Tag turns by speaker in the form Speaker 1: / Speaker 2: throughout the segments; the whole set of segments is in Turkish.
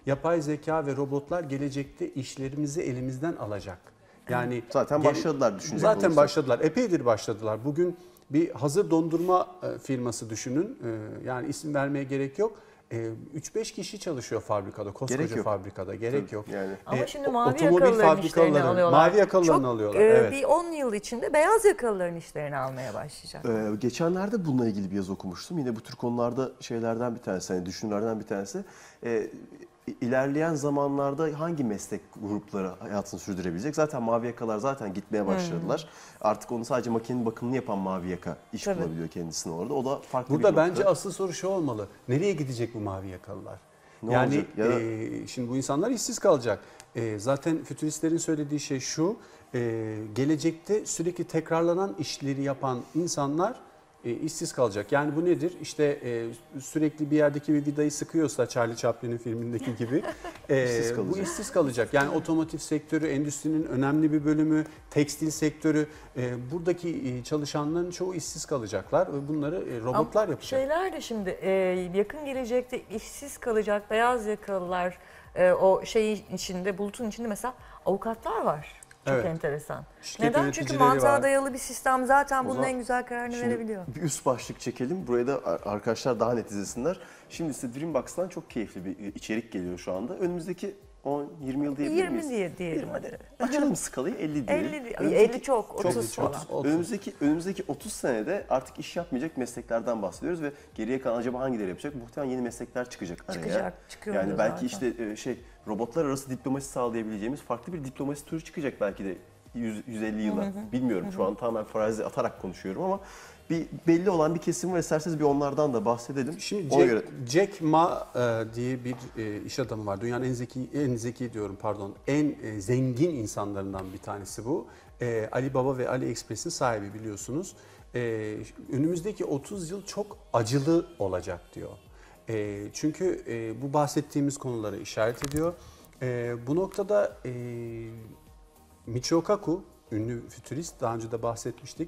Speaker 1: yapay zeka ve robotlar gelecekte işlerimizi elimizden alacak. Yani
Speaker 2: zaten başladılar düşünecek
Speaker 1: Zaten
Speaker 2: olursak.
Speaker 1: başladılar. Epeydir başladılar. Bugün bir hazır dondurma firması düşünün. Yani isim vermeye gerek yok. 3-5 kişi çalışıyor fabrikada, koskoca fabrikada. Gerek yok.
Speaker 2: Yani.
Speaker 3: Ama şimdi mavi
Speaker 1: otomobil
Speaker 3: yakalıların işlerini alıyorlar.
Speaker 1: Mavi yakalılarını alıyorlar. Evet.
Speaker 3: Bir 10 yıl içinde beyaz yakalıların işlerini almaya başlayacak.
Speaker 2: Geçenlerde bununla ilgili bir yazı okumuştum. Yine bu tür konularda şeylerden bir tanesi, hani düşünürlerden bir tanesi. İlerleyen zamanlarda hangi meslek grupları hayatını sürdürebilecek? Zaten mavi yakalar zaten gitmeye başladılar. Artık onu sadece makinenin bakımını yapan mavi yaka iş bulabiliyor kendisine orada. O da farklı
Speaker 1: Burada
Speaker 2: bir nokta.
Speaker 1: bence asıl soru şu olmalı. Nereye gidecek bu mavi yakalılar? Yani şimdi bu insanlar işsiz kalacak. Zaten fütüristlerin söylediği şey şu. Gelecekte sürekli tekrarlanan işleri yapan insanlar işsiz kalacak. Yani bu nedir? İşte sürekli bir yerdeki bir vidayı sıkıyorsa Charlie Chaplin'in filmindeki gibi bu işsiz kalacak. Yani otomotiv sektörü, endüstrinin önemli bir bölümü, tekstil sektörü, buradaki çalışanların çoğu işsiz kalacaklar ve bunları robotlar yapacak.
Speaker 3: Şeyler de şimdi yakın gelecekte işsiz kalacak beyaz yakalılar, o şeyin içinde, bulutun içinde mesela avukatlar var. Çok enteresan. Neden? Çünkü mantığa dayalı bir sistem zaten bunun en güzel kararını verebiliyor.
Speaker 2: Bir üst başlık çekelim. Buraya da arkadaşlar daha net izlesinler. Şimdi size Dreambox'tan çok keyifli bir içerik geliyor şu anda. Önümüzdeki 10-20 yıl diyebilir miyiz?
Speaker 3: 20 diyelim.
Speaker 2: Hadi. Açalım skalayı 50 diyelim.
Speaker 3: 50 çok, 30 falan.
Speaker 2: Önümüzdeki 30 senede artık iş yapmayacak mesleklerden bahsediyoruz ve geriye kalan acaba hangileri yapacak? Muhtemelen yeni meslekler çıkacak araya.
Speaker 3: Çıkıyor
Speaker 2: yani belki
Speaker 3: zaten.
Speaker 2: işte robotlar arası diplomasi sağlayabileceğimiz farklı bir diplomasi türü çıkacak belki de 150 yıla. Bilmiyorum, şu an tamamen farazi atarak konuşuyorum ama belli olan bir kesim var. İsterseniz bir onlardan da bahsedelim.
Speaker 1: Şimdi Jack Ma diye bir iş adamı var. Dünyanın en zengin insanlarından bir tanesi bu. Alibaba ve AliExpress'in sahibi, biliyorsunuz. Önümüzdeki 30 yıl çok acılı olacak diyor. Çünkü bu bahsettiğimiz konuları işaret ediyor. Bu noktada Michio Kaku, ünlü fütürist, daha önce de bahsetmiştik.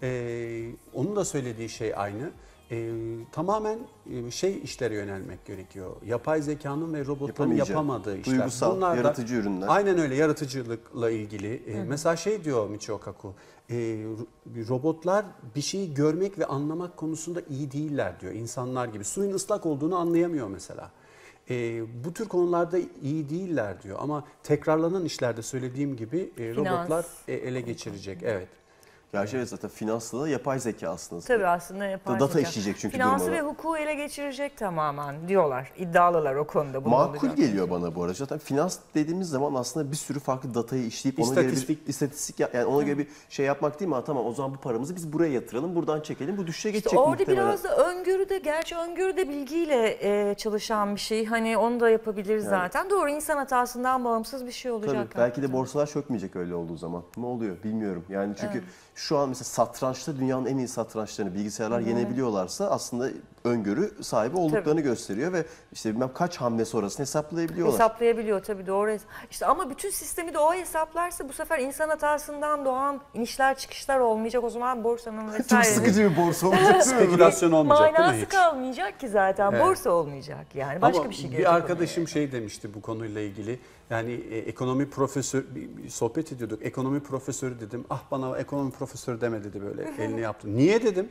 Speaker 1: Onun da söylediği şey aynı. Tamamen işlere yönelmek gerekiyor. Yapay zekanın ve robotların yapamadığı işler.
Speaker 2: Duygusal,
Speaker 1: bunlar
Speaker 2: yaratıcı ürünler.
Speaker 1: Aynen öyle, yaratıcılıkla ilgili. Mesela diyor Michio Kaku, robotlar bir şeyi görmek ve anlamak konusunda iyi değiller diyor. İnsanlar gibi. Suyun ıslak olduğunu anlayamıyor mesela. Bu tür konularda iyi değiller diyor ama tekrarlanan işlerde söylediğim gibi robotlar ele geçirecek. Evet.
Speaker 2: Gerçi evet, zaten finansla da yapay zeka aslında.
Speaker 3: Tabii aslında yapay zeka.
Speaker 2: Data işleyecek çünkü
Speaker 3: Finansı
Speaker 2: durmadan.
Speaker 3: ve hukuku ele geçirecek tamamen diyorlar. İddialılar o konuda.
Speaker 2: Makul geliyor bana bu arada. Zaten finans dediğimiz zaman aslında bir sürü farklı datayı işleyip ona göre bir istatistik, yani ona göre bir şey yapmak değil mi? Tamam, o zaman bu paramızı biz buraya yatıralım, buradan çekelim, bu düşüşe geçecek
Speaker 3: orada
Speaker 2: muhtemelen.
Speaker 3: biraz da öngörüde, gerçi öngörüde bilgiyle çalışan bir şey. Hani onu da yapabiliriz zaten. Doğru, insan hatasından bağımsız bir şey olacak.
Speaker 2: Tabii, belki de borsalar çökmeyecek öyle olduğu zaman. Ne oluyor bilmiyorum. Yani çünkü şu an mesela satrançta dünyanın en iyi satrançlarını bilgisayarlar yenebiliyorlarsa aslında öngörü sahibi olduklarını gösteriyor ve işte bilmem kaç hamle sonrasını hesaplayabiliyorlar.
Speaker 3: Hesaplayabiliyor tabii, doğru. İşte ama bütün sistemi de o hesaplarsa bu sefer insan hatasından doğan inişler çıkışlar olmayacak. O zaman borsanın vesaire.
Speaker 2: Çok sıkıcı bir borsa olacak.
Speaker 1: Spekülasyon olmayacak değil mi
Speaker 3: Manası
Speaker 1: hiç?
Speaker 3: kalmayacak ki zaten. Borsa olmayacak yani. Başka
Speaker 1: ama
Speaker 3: bir şey gelecek.
Speaker 1: Bir arkadaşım demişti bu konuyla ilgili. Yani ekonomi profesör, bir sohbet ediyorduk. Ekonomi profesörü dedim. Ah, bana ekonomi profesörü deme dedi, böyle elini yaptı. Niye dedim?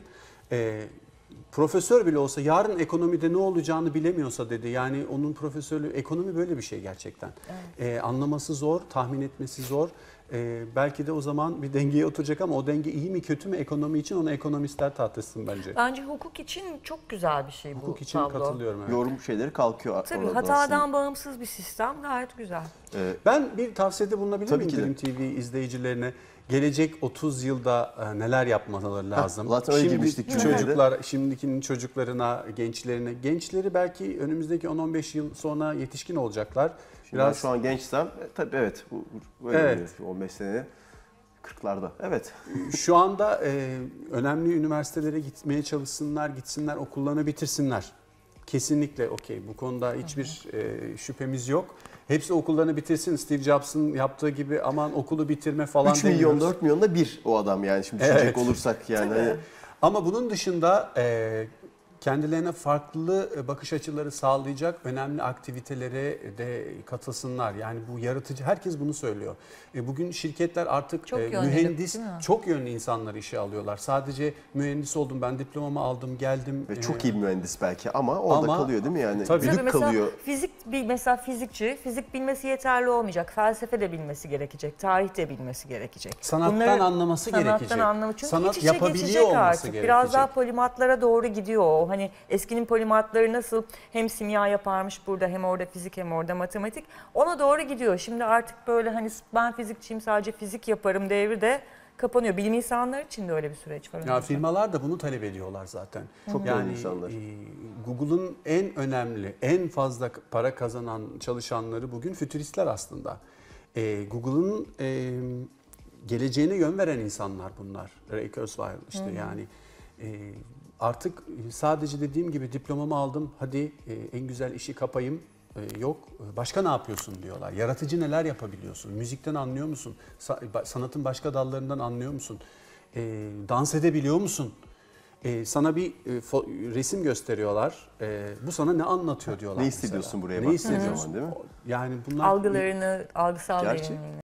Speaker 1: Profesör bile olsa yarın ekonomide ne olacağını bilemiyorsa dedi. Yani onun profesörlüğü, ekonomi böyle bir şey gerçekten. Evet. Anlaması zor, tahmin etmesi zor. Belki de o zaman bir dengeye oturacak ama o denge iyi mi kötü mü ekonomi için, onu ekonomistler tartışsın bence.
Speaker 3: Bence hukuk için çok güzel bir şey bu
Speaker 1: hukuk için
Speaker 3: tablo.
Speaker 1: Katılıyorum. Evet.
Speaker 2: Yorum şeyleri kalkıyor.
Speaker 3: Tabii hatadan bağımsız bir sistem gayet güzel.
Speaker 1: Ben bir tavsiyede bulunabilir miyim Dream TV izleyicilerine? Gelecek 30 yılda neler yapmaları lazım?
Speaker 2: Zaten öyle girmiştik
Speaker 1: şimdikinin çocuklarına, gençleri belki önümüzdeki 10-15 yıl sonra yetişkin olacaklar.
Speaker 2: Ben şu an gençsem tabii evet, böyle 15 sene 40'larda. Evet.
Speaker 1: Şu anda önemli üniversitelere gitmeye çalışsınlar, gitsinler, okullarını bitirsinler. Kesinlikle okey. Bu konuda hiçbir şüphemiz yok. Hepsi okullarını bitirsin. Steve Jobs'ın yaptığı gibi aman okulu bitirme falan
Speaker 2: 3 milyon 4 milyonda bir o adam yani, şimdi düşünecek olursak yani.
Speaker 1: Ama bunun dışında kendilerine farklı bakış açıları sağlayacak önemli aktivitelere de katılsınlar. Yani bu yaratıcı, herkes bunu söylüyor. Bugün şirketler artık mühendis, çok yönlü insanları işe alıyorlar. Sadece mühendis oldum, ben diplomamı aldım, geldim.
Speaker 2: Ve çok iyi bir mühendis belki ama orada kalıyor değil mi yani?
Speaker 1: Tabii.
Speaker 2: Kalıyor.
Speaker 3: Mesela fizikçi, fizik bilmesi yeterli olmayacak. Felsefe de bilmesi gerekecek, tarih de bilmesi gerekecek.
Speaker 1: Sanattan anlaması gerekecek.
Speaker 3: Çünkü
Speaker 1: sanat
Speaker 3: iç içe
Speaker 1: yapabiliyor
Speaker 3: geçecek
Speaker 1: olması
Speaker 3: artık.
Speaker 1: gerekecek.
Speaker 3: Biraz daha polimatlara doğru gidiyor o. Hani eskinin polimatları nasıl hem simya yaparmış burada, hem orada fizik, hem orada matematik. Ona doğru gidiyor. Şimdi artık böyle hani ben fizikçiyim, sadece fizik yaparım devri de kapanıyor. Bilim insanları için de öyle bir süreç var.
Speaker 1: Ya firmalar da bunu talep ediyorlar zaten.
Speaker 2: Çok
Speaker 1: yani
Speaker 2: insanlar.
Speaker 1: Google'ın en önemli, en fazla para kazanan çalışanları bugün fütüristler aslında. Google'ın geleceğine yön veren insanlar bunlar. Ray Kurzweil işte yani artık sadece dediğim gibi diplomamı aldım, hadi en güzel işi kapayım. Yok, başka ne yapıyorsun diyorlar. Yaratıcı neler yapabiliyorsun? Müzikten anlıyor musun? Sanatın başka dallarından anlıyor musun? Dans edebiliyor musun? Sana bir resim gösteriyorlar. Bu sana ne anlatıyor diyorlar.
Speaker 2: Ne hissediyorsun
Speaker 1: mesela.
Speaker 2: buraya
Speaker 1: Ne
Speaker 2: baktığın
Speaker 1: hissediyorsun?
Speaker 2: zaman değil mi?
Speaker 1: Yani bunlar
Speaker 3: Algılarını, algısal
Speaker 2: Gerçi
Speaker 3: derinliğini.